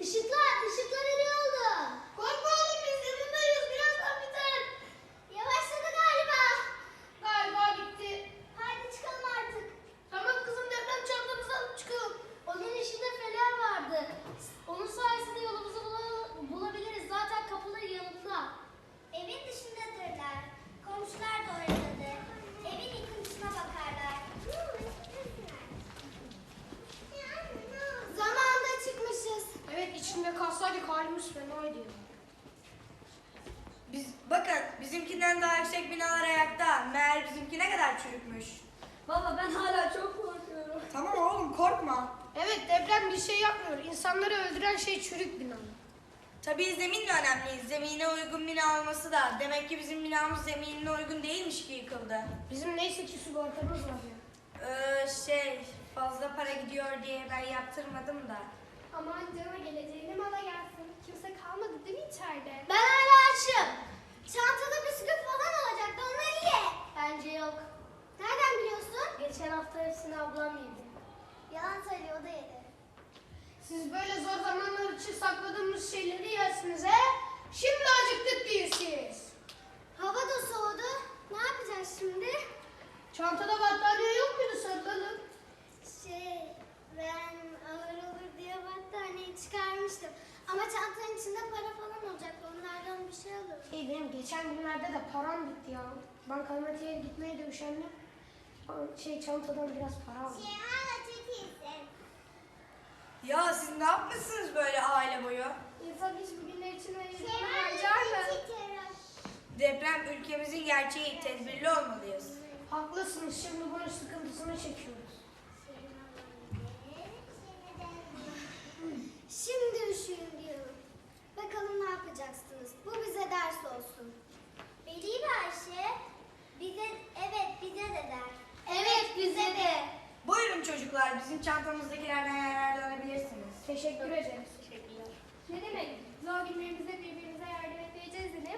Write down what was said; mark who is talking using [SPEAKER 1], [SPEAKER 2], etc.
[SPEAKER 1] Işıklar eli oldu.
[SPEAKER 2] Korkma oğlum, biz yanındayız. Birazdan biter.
[SPEAKER 1] Yavaşladı galiba.
[SPEAKER 2] Galiba bitti.
[SPEAKER 1] Haydi çıkalım artık.
[SPEAKER 2] Tamam kızım, deprem çantamızı alıp çıkalım.
[SPEAKER 1] Onun içinde fener vardı. Onun sayesinde yolumuzu bulabiliriz. Zaten kapıları yanında. Evin dışındadırlar. Komşular da oradadır. Evin yıkıntısına bakarlar. Zamanında çıkmışız.
[SPEAKER 2] Evet, içinde kalsaydık halimiz fenaydı.
[SPEAKER 3] Bakın bizimkinden daha yüksek binalar ayakta. Meğer bizimki ne kadar çürükmüş.
[SPEAKER 1] Baba ben hala çok korkuyorum.
[SPEAKER 3] Tamam oğlum korkma.
[SPEAKER 2] Evet, deprem bir şey yapmıyor. İnsanları öldüren şey çürük bina.
[SPEAKER 3] Tabii zemin de önemli. Zemine uygun bina olması da. Demek ki bizim binamız zeminine uygun değilmiş ki yıkıldı.
[SPEAKER 2] Bizim neyse ki sigortamız var ya.
[SPEAKER 3] Fazla para gidiyor diye ben yaptırmadım da.
[SPEAKER 4] Aman canına geleceğine mala gelsin. Kimse kalmadı değil mi içeride?
[SPEAKER 1] Ben hala açım. Çantada bisküvi falan olacaktı. Onları ye. Bence yok. Nereden biliyorsun? Geçen hafta hepsini ablam yedi. Yalan söylüyor, o da yedi.
[SPEAKER 2] Siz böyle zor zamanlar için sakladığımız şeyleri yersiniz he? Şimdi acıktık diyorsunuz.
[SPEAKER 1] Hava da soğudu. Ne yapacağız şimdi?
[SPEAKER 2] Çantada battaniye yok muydu, sarılalım?
[SPEAKER 1] Ben ağır olur diye battaniyeyi çıkarmıştım. Ama çantanın içinde para falan olacaktı. Onlardan bir şey alırım.
[SPEAKER 2] Benim geçen günlerde de param bitti ya. Bankamatiğe gitmeye de üşendim. Çantadan biraz para aldım.
[SPEAKER 3] Ya siz ne yapmışsınız böyle aile boyu?
[SPEAKER 4] İnsan hiç bugünler için ayırdığını harcar mı?
[SPEAKER 3] Deprem ülkemizin gerçeği. Tedbirli olmalıyız.
[SPEAKER 2] Haklısınız, şimdi bunun sıkıntısını çekiyoruz.
[SPEAKER 1] Şimdi üşüyün diyorum. Bakalım ne yapacaksınız? Bu bize ders olsun. Veli ve Ayşe bize de der. Evet bize de.
[SPEAKER 3] Buyurun çocuklar, bizim çantamızdakilerden yararlanabilirsiniz.
[SPEAKER 2] Teşekkür ederiz.
[SPEAKER 4] Ne demek? Zor günlerimizde birbirimize yardım edeceğiz de